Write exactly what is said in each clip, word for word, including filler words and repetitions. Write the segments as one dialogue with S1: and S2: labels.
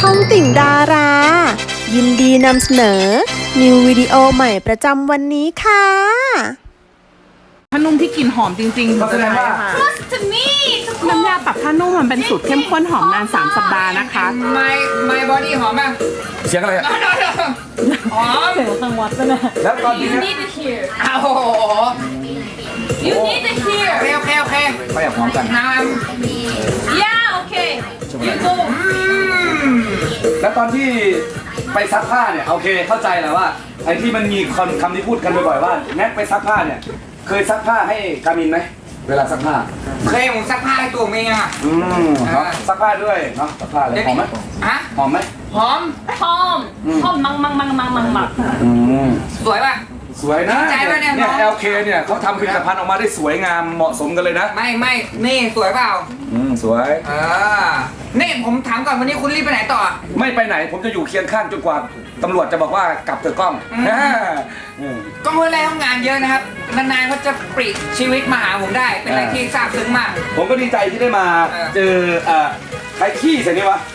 S1: องติ่งดารา ยินดีนำเสนอ นิววิดีโอใหม่ประจำวันนี้ค่ะ
S2: ผ้านุ่มที่กลิ่นหอมจริงๆ
S3: แสดงว่า
S2: น้ำยาปรับผ้านุ่มมันเป็นสูตรเข้มข้นหอมนานสามสัปดาห์นะคะ
S4: My my body หอมป่ะ
S3: เสียงอะไรอะ
S4: หอม
S3: แล้วตอนนี้
S4: You need to hear อ้าวโอ้โห You need to hear โอเคโอเคโอเค
S3: ไปอย่างพร้อมกัน
S4: น้ำ Yeah okay You go
S3: แล้วตอนที่ไปซักผ้าเนี่ยโอเคเข้าใจแล้วว่าไอ้ที่มันมีคำคำที่พูดกันบ่อยๆว่าแน็กไปซักผ้าเนี่ยเคยซักผ้าให้กามินไหมเวลาซักผ้า
S4: เคยผมซักผ้าให้ตัวเมียอ่ะ
S3: อืมเนาะซักผ้าด้วยเนาะซักผ้าเลยหอมไหม
S4: ฮะ
S3: หอมไหม
S4: หอม
S5: 펌! 펌 망망망망망망
S3: อืม
S4: สวยป่ะ
S3: สวยนะ
S4: ใจป่ะเนี่ย
S3: เนี่ย
S4: น้อง
S3: แอลเคเนี่ยเขาทำผลิตภัณฑ์ออกมาได้สวยงามเหมาะสมกันเลยนะ
S4: ไม่ไม่นี่สวยเปล่า
S3: อืมสวย
S4: เออนี่ผมถามก่อนวันนี้คุณรีบไปไหนต่อ
S3: ไม่ไปไหนผมจะอยู่เคียงข้างจนกว่าตำรวจจะบอกว่ากลับเถอะกล้อง
S4: อืม
S3: อ่าอืม
S4: ก็เมื่อไรทำงานเยอะนะครับนานๆเขาจะปลีกชีวิตมาหาผมได้เป็นอะไรที่ซาบซึ้งมาก
S3: ผมก็ดีใจที่ได้มา
S4: เออ
S3: เจอเอ่อใครขี้ใส่นี่วะ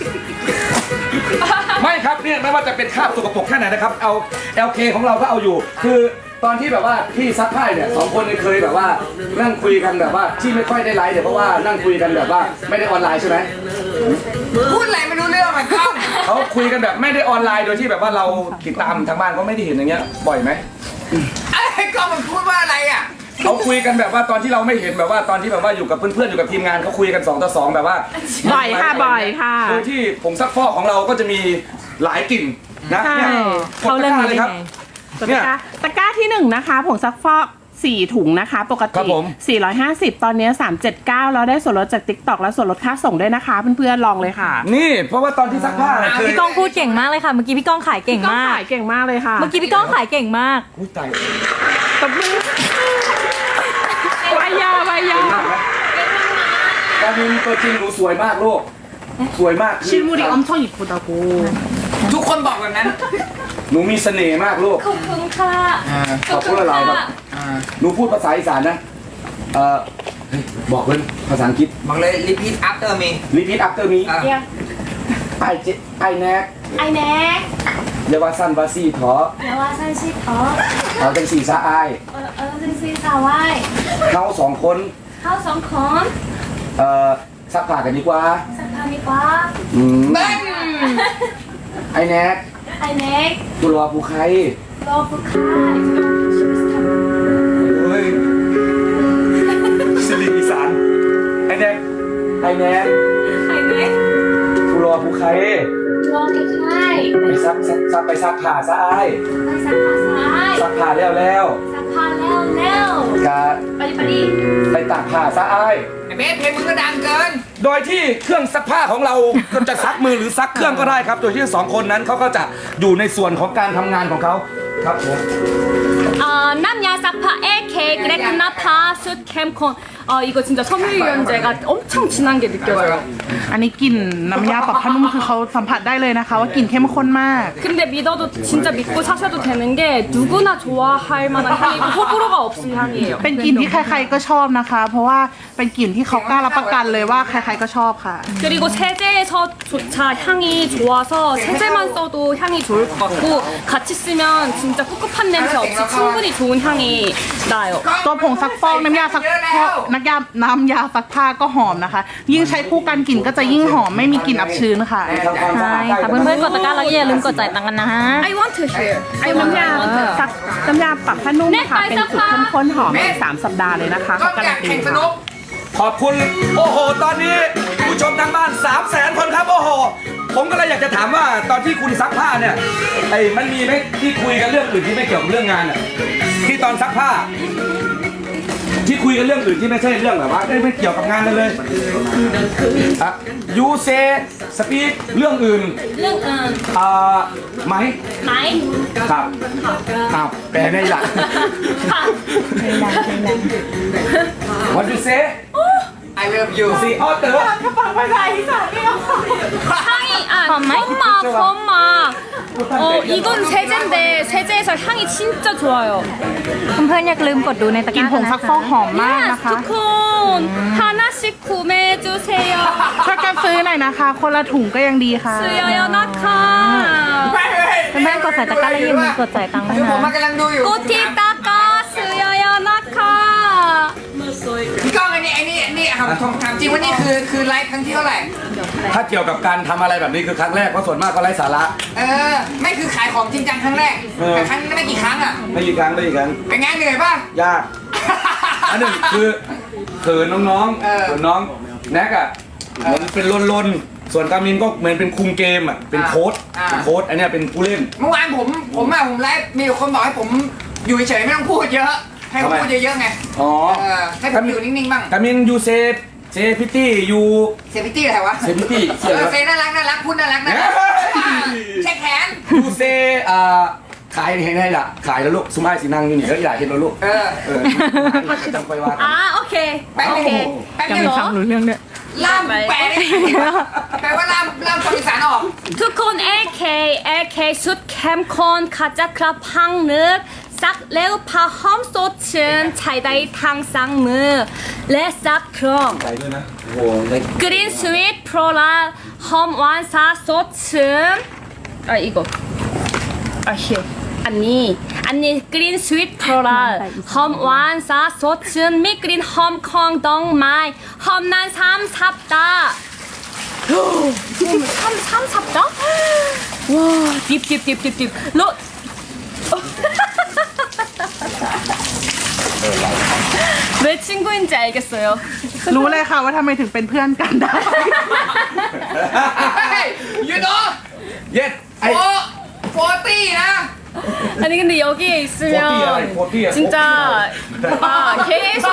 S3: ไม่ครับเนี่ยไม่ว่าจะเป็นคราบสกปรกแค่ไหนนะครับเอา แอล เค ของเราก็เอาอยู่ คือตอนที่แบบว่าพี่ซักผ้าเนี่ยสองคนเนี่ยเคยแบบว่านั่งคุยกันแบบว่าที่ไม่ค่อยได้ไลฟ์เนี่ยเพราะว่านั่งคุยกันแบบว่าไม่ได้ออนไลน์ใช่ไหม
S4: พูดอะไรไม่รู้เรื่องมันเข้า
S3: เขาคุยกันแบบไม่ได้ออนไลน์โดยที่แบบว่าเราติดตามทางบ้านก็ไม่ได้เห็นอย่างเงี้ยบ่อยไหม
S4: ไอ้ก็มันพูดว่าอะไรอ่ะ
S3: เขาคุยกันแบบว่าตอนที่เราไม่เห็นแบบว่าตอนที่แบบว่าอยู่กับเพื่อนๆอยู่กับทีมงานเขาคุยกันสองต่อสองแบบว่า
S2: บ่อยค่ะบ่อยค่ะ
S3: โดยที่ผงซักฟอกของเราก็จะมีหลายกลิ่นนะ
S2: ใช่
S3: เนี่ย
S5: เขาเรื่องนี้
S3: เลยครับ
S2: ตะกร้าตะกร้าที่หนึ่งนะคะผงซักฟอกสี่ถุงนะคะ ปก
S3: ครั
S2: ติ
S3: บผม
S2: สี่ร้อยห้าสิบตอนนี้สามร้อยเจ็ดสิบเก้าแล้วได้ส่วนลดจาก ติ๊กต็อก และส่วนลดค่าส่งด้วยนะคะเพื่อนๆลองเลยค่ะ
S3: นี่เพราะว่าตอนที่ซักผ้าเนี่ยเคย
S5: พี่ก้องพูดเก่งมากเลยค่ะ เมื่อกี้พี่ก้องขายเก่ง
S2: ก็
S5: มาก
S2: ขายเก่งมากเลยค่ะ
S5: เมื่อกี้พี่ก้องขายเก่งมาก
S3: อุ้ยตาย
S2: ตบมือวายาวายา
S3: การมินตัวจริงหนูสวยมากลูกสวยมากคือ
S2: 실물이 엄청 이쁘다고
S4: ทุกคนบอกแบบนั้น
S3: หนูมีเสน่ห์มากลูก
S5: ขอบคุณค่ะ
S3: ขอบคุณอะไรครับหนูพูดภาษาอีสานนะเอ่อเฮ้ยบอกเลยภาษาอังกฤษ
S4: บอกเลย repeat after me
S3: repeat after me
S4: อ่ะ
S3: ไอเจไอแน็ก
S5: ไอแน็ก
S3: เยาวาสันวาซีทอ
S5: เดี๋ยวว่าฉันชื่ออ๋อ
S3: เอาจังสีซาอาย
S5: เออเออเป็นซีสาวไว้
S3: เขาสองคน
S5: เข้าสองคน
S3: เอ่อซักผ้ากันดีกว่า
S5: สักพักดีกว่า
S3: อืม
S4: เบิ้ล
S3: ไอแน็ก
S5: ไอแน็ก
S3: กุลวาภูไค
S5: รอผู้ค้า
S3: เฮ้ยสิริอีสานไอแน็กไอแน็ก
S5: ไอแน็ก
S3: กุลวาภูไค
S5: รอผู้ค้า
S3: ไปซักซักซักไปซักผ้าซะไอาย
S5: ไปสักผ้าซ้าย
S3: ซักผ้าแล้วแล้ว
S5: สักผ้าแล้วแล้ว
S3: กะ
S5: ไปดิไปดิ
S3: ไปตากผ้าซะไอาย
S4: ไอ้เบสเพลงมึงก็ดังเกิน
S3: โดยที่เครื่องซักผ้าของเราก็จะซักมือหรือซักเครื่องก็ได้ครับ โดยที่สองคนนั้นเขาก็จะอยู่ในส่วนของการทำงานของเขาครับผม
S5: 아, 남야 싹파 에케 그레크나 파스 캠콘 아 이거 진짜 섬유유연제가 엄청 진한 게 느껴져요
S2: อันนี้กลิ่นน้ำยาปรับผ้านุ่มคือเขาสัมผัสได้เลยนะคะว่ากลิ่นเข้มข้นมาก
S5: 근데 믿어도 진짜 믿고 사셔도 되는 게 누구나 좋아할 만한 향이고 호불호가 없을 향이에요
S2: เป็นกลิ่นที่ใครๆก็ชอบนะคะ เพราะว่าเป็นกลิ่นที่เขากล้ารับประกันเลยว่าใครๆก็ชอบค่ะ
S5: 그리고 세제에서조차 향이 좋아서 세제만 써도 향이 좋을 것 같고 같이 쓰면 진짜 꿉꿉한 냄새 없이 충분히 좋은 향이 나요
S2: ตัวผงซักฟอกน้ำยาซักฟอกน้ำยาน้ำยาซักผ้าก็หอมนะคะ ยิ่งใช้คู่กันกลิ่นก็จะยิ่งหอมไม่มีกลิ่นอับชื้นค่ะ
S3: ทำความสะอาด
S5: ใช่ค่ะเพื่อนๆกดตะกร้าแล้วอย่าลืมกดจ่ายตังค์กันนะฮะ I want to hear
S2: ไอ้น้ำยาซักน้ำยาปรับผ้านุ่มค่ะเป็นสูตรเข้มข้นหอมในสามสัปดาห์เลยนะคะ
S4: ก็
S2: เขาการั
S4: อยาน ก
S2: ตี
S4: แข่งส
S2: ค่ะ
S4: นุก
S3: ขอบคุณโอ้โห ตอนนี้ผู้ชมทางบ้าน3 0 0แสนคนครับโอ้โห ผมก็เลยอยากจะถามว่าตอนที่คุณซักผ้าเนี่ยไอ้มันมีไหมที่คุยกันเรื่องอื่นที่ไม่เกี่ยวกับเรื่องงานอ่ะที่ตอนซักผ้า ที่คุยกันเรื่องอื่นที่ไม่ใช่เรื่องแบบว่าเอ้ยไม่เกี่ยวกับงานเลยเลยอ่ะยูเซสปีกเรื่องอื่น
S5: เรื่องอื่น
S3: อ่าไหม
S5: ไหม
S3: ครับครับแปลได้หลัก
S5: ค่ะ
S3: What you say
S4: I love you
S3: See author
S5: 향이 아 펌마 펌마 어 이건 세제인데 세제에서 향이 진짜 좋아요
S6: เพื่อนๆอย่าลืมกดดูในตะก
S2: กลิ่น
S6: ร้า
S2: ผ
S6: กัน
S2: ง
S6: นะ
S2: ซักฟอก
S6: คะ
S2: หอมมาก
S5: yes
S2: นะคะ
S5: ทุกคน 하나씩 구매해주세요
S2: ช่วยกันซื้อหน่อยนะคะ คนละถุงก็ยังดีค่ะ
S5: 쓰여요 나카
S4: ไม่ไม่
S6: เพื่อนๆกดใส่ตะกร้าแล้วอย่าลืมกดจ่ายตังค์ด้ว
S4: คื
S6: ย
S4: อผม
S6: นะ
S4: มากำลังดูอยู่
S5: 꼬티 따까 쓰여요 나카
S4: พี่ก้องอันนี้อันนี้อันนี้ถามถามจริงว่านี่คือคือไลฟ์ครั้งที่เท่าไหร่
S3: ถ้าเกี่ยวกับการทำอะไรแบบนี้คือครั้งแรกเพราะส่วนมากก็ไร้สาระ
S4: เออ ไม่คือขายของจริงจังครั้งแรก
S3: เออ
S4: แต่ครั้งนี้ไม่กี่ครั้งอ่ะ
S3: ไม่กี่ครั้งไม่กี่ครั้ง
S4: เป็นไงเหนื่อยป่ะ
S3: ยาก อันหนึ่งคือเขินน้อง
S4: เออ
S3: ๆเขินน้องแน็กอ่ะเหมือนเป็นลนๆส่วนกามินก็เหมือนเป็นคุมเกมอ่ะเป็นโค้ช
S4: อ่า
S3: เป็นโค้ชอันเนี้ยเป็นผู้เล่น
S4: เมื่อวานผมผมอะผมไลฟ์มีคนบอกให้ผมอยู่เฉยๆไม่ต้องพูดเยอะ ให้ผม
S3: ทำไม
S4: พูดเยอะๆไง
S3: อ๋อ
S4: เออให้ผมอยู่นิ่งๆบ้าง
S3: กามินยูเซฟเซพิตี้ยู
S4: เซฟิตี้อะไรวะ
S3: เซพิตี้
S4: เออเซน่ารักน่ารักพูดน่ารักน่ารักเช็คแขน
S3: ยูเซอ่าขายเห็นให้ล่ะขายแล้วลูกสุมาสินั่งอยู่นี่แล้วอยากเห็นแล้วลูก
S4: เออ
S3: เออจำไปว่ากัน
S5: 아 오케이
S4: แป๊บนึงแป๊บนึง
S2: ฟังรู้เรื่องเนี่ย
S4: ล่ามแปลได้แปลว่าล่ามล่ามคนอีสานออก
S5: ทุกคน LK LK 숫 캠콘 가짜클럽 항륵 싹 레오파 험소친 차이다이 탕상무 레싹 크롬
S3: ไปด้วยนะโอ้โห
S5: 그린 스윗 프로라 험 완사 소친 아 이거 아히 언니 언니 그린 스윗 프로라 험 완사 소친 미그린 험콩 덩마이 험난 삼삽다 삼, 삼삽다? 와, 딥, 딥, 딥, 딥, 딥. 로. 왜 친구인지 알겠어요.
S2: รู้เลยค่ะว่าทำไมถึงเป็นเพื่อนกันได้
S4: เฮ้ยยูโน่
S3: เย็ดไอ
S4: โฟโฟตี้นะ
S5: 아니 근데 여기에 있으면
S3: 포티야, 포티야,
S5: 진짜 아 계속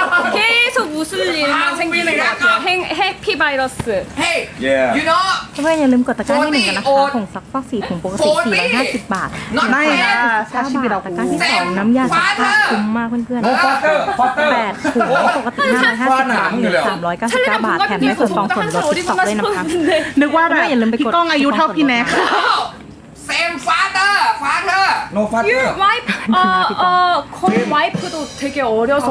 S5: 계속 웃을 일만 생기는 것 같아요. 행, 해피 바이러스.
S4: เฮ้ย
S3: Yeah
S4: ยูโน่
S6: เพื่อนๆอย่าลืมกดตะกร้าที่หนึ่งกันนะคะ
S4: โอ้ย
S6: ผงซักฟอกสีถุงปกติสี่ร้อยห้าสิบบาท
S4: น็อต
S2: ได้
S4: แฟ
S2: นะ
S4: น
S2: ชาชิบิเรา
S6: ตะกร้าที่สองน้ำยาซักผ้าคุ้มมากเพื่อน
S3: โอ้ฟอเตอร์ฟอเตอร์
S6: ๆแปดถุงปกติห้าร้อยห้าสิบบาทเหลือสามร้อยเก้าสิบเก้าบาทแถมได้ส่วนฟองส่วนลดสิบสองด้วยนะคะ
S2: นึกว่าแบบ
S6: อย่าลืมไปกด
S2: พี่ก้องอายุเท่าพี่แน็ก
S4: เซมฟาเตอร์ฟาเตอร์
S3: โนฟาเตอร์
S5: 와이프 어어콘 와이프도 되게 어려서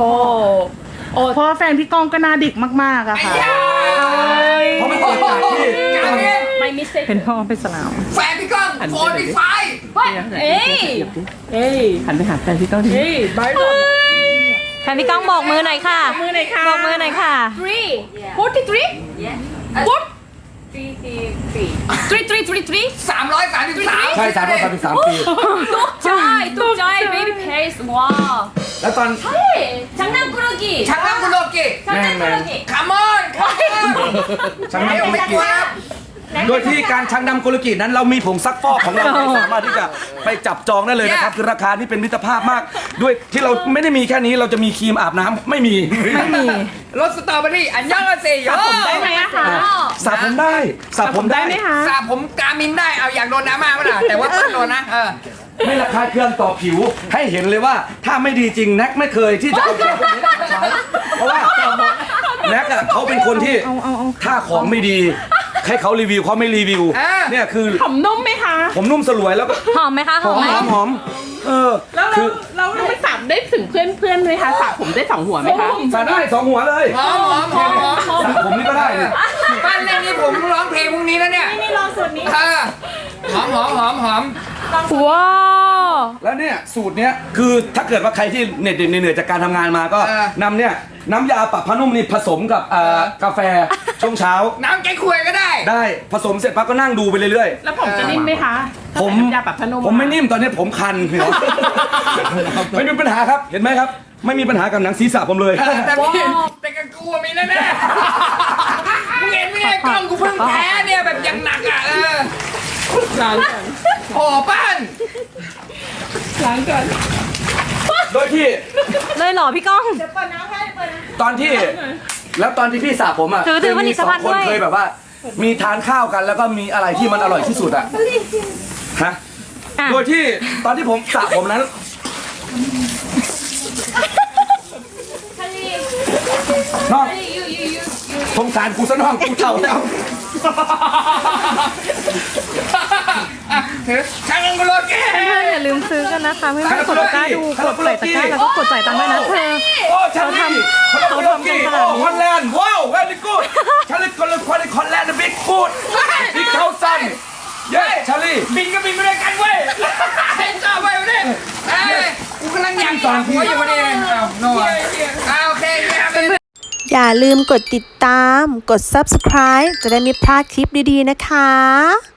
S5: 어
S2: เพราะว่าแฟนพี่ก้องก็หน้าเด็กมากๆอะ
S4: ไอ้
S2: ค่ะ
S4: ยา
S3: เพราะมันเกิดจากที่
S4: กามิน
S5: my mistake.
S6: เป็นพ่อเป็นสลาว
S4: แฟนพี่ก้องโฟร์ตี้ไฟ
S5: What? 에이. 에이.
S2: หันไปหาแฟนพี่ก้องดิ
S5: 에이 말도 안 돼.
S6: แฟนพี่ก้องบอกมือหน่อยค่ะ
S5: มือหน่อยค่ะ
S6: บอกมือหน่อยค่ะ
S5: Three. Forty-three? Yeah. Four. Three, three, three, three, three.
S4: สามร้อยสามสิบสาม
S3: ใช่สามร้อยสามสิบสามปี
S5: 똑짜이, 똑짜이, 베이비 페이스. 와.
S3: แล้วตอน
S5: 네. 장난꾸러기.
S4: ชักน้ำกุโลกิ
S5: 장난꾸러기.
S4: คามอนคามอน
S3: ชัง
S4: ไม่
S3: นำกุล
S4: ไม่
S3: กิ
S4: กลัวครับ
S3: โดยที่การชังนำกุลกินั้นเรามีผงซักฟอกของเราที่สามารถที่จะไปจับจองได้เลยนะครับคือราคานี่เป็นมิตรภาพมาก ด้วยที่เราไม่ได้มีแค่นี้เราจะมีครีมอาบน้ำไม่มี
S6: ไม่มี
S4: รสสตรอเบอรี่อันยองอาเซโย
S5: ได้ไหมคะ
S3: สระผมได้สระผมได้
S4: สระผมกามินได้เอาอยากโดนน้ำมากไหมล่ะแต่ว่าต้องโดนนะเออ
S3: ไม่ระคายเคืองต่อผิวให้เห็นเลยว่าถ้าไม่ดีจริงแน็กไม่เคยที่จะเอาของพวกนี้มาใช้เพราะว่าแน็กอะเขาเป็นคนที่ถ้าของไม่ดีให้เขารีวิวเขาไม่รีวิวเนี่ยคือ
S2: ผมนุ่มไหมคะ
S3: ผมนุ่มสลวยแล้วก็
S6: หอมไหมคะ
S3: ห
S6: ห
S3: อ
S6: อ
S3: ม
S6: มไหม
S3: หอมหอมเออ
S2: แล้วเรา
S3: คือ
S2: เราเราไม่สามได้ถึงเพื่อนเพื่อนไหมคะสระผมได้สองหัวไหมคะ
S3: สระได้สองหัวเลย
S4: หอมหอมหอมหอมหอม
S3: สระผมนี่ก็ได้เนี่ย
S4: บ้านเล่นนี่ผมร้องเพลงพรุ่งนี้แล้วเนี่ย
S2: นี่ลองสูตรนี้
S4: เออหอมหอมหอมหอม
S6: ว้าว
S3: แล้วเนี่ยสูตรเนี้ยคือถ้าเกิดว่าใครที่เหน็ดเหนื่อยจากการทำงานมาก็
S4: เออ
S3: นำเนี่ยน้ำยาปรับผ้านุ่มนี่ผสมกับเอ่อกาแฟช่วงเช้า
S4: น้ำแกงควยก็ได้
S3: ได้ผสมเสร็จปั๊บก็นั่งดูไปเรื่อย
S2: แล้วผมจะนิ่มไหมคะ
S3: ๆ ผม
S2: ยาปรับผ้านุ่ม
S3: ผมไม่นิ่มตอนนี้ผมคันเหรอ ไม่มีปัญหาครับเห็นไหมครับ ไม่มีปัญหากับหนังศีรษะผมเลย
S4: แต่พี่แต่กับกูอะมีแน่ๆมึงเห็นไหมเนี่ยกล้องกูเพิ่งแพ้เนี่ยแบบยังหนักอ่ะเออ
S2: ล้างกัน
S4: โอ้ป้าน
S2: ล้างกัน
S3: โดยที่
S6: เลยเหรอพี่ก้อง
S3: ตอนที่แล้วตอนที่พี่สระผมอ่ะ
S6: ถือถือ
S3: เคยมีสอง
S6: ผลิตภัณฑ์
S3: คน
S6: ด้วย
S3: เคยแบบว่า มีทานข้าวกันแล้วก็มีอะไรที่มันอร่อยที่สุดอ่ะฮะ
S6: อ่ะ
S3: โดยที่ตอนที่ผมสระผมนั้นน้องสงสารกูซะน้องกูเท่าแล้ว
S4: ถือช่างกันโลเก้
S6: เพื่อนๆอย่าลืมซื้อกันนะคะเพื่อนๆกดตะกร้าดูกดใส่ตะกร้าแล้วก็กดจ่ายตังค์ด้วยนะเธอ
S3: โอ้ชาลี
S6: เขาทำกันขนาดนี้
S3: โอ้ฮอลแลนด์ว้าวเวลี่กูดชาลีคนละคนในฮอลแลนด์บิ๊กกูดบิ๊กเทาซันเย้ชาลี
S4: บินก็บินไม่ได้กันเว้ยเฮ้ยจ้าไปวันนี้เอ้ยกูกำลังอยากตอนหัวอยู่วันนี้อ้าวโน่อ้าวโอเคเย้
S1: อย่าลืมกดติดตาม กด ซับสไครบ์ จะได้ไม่พลาดคลิปดีๆนะคะ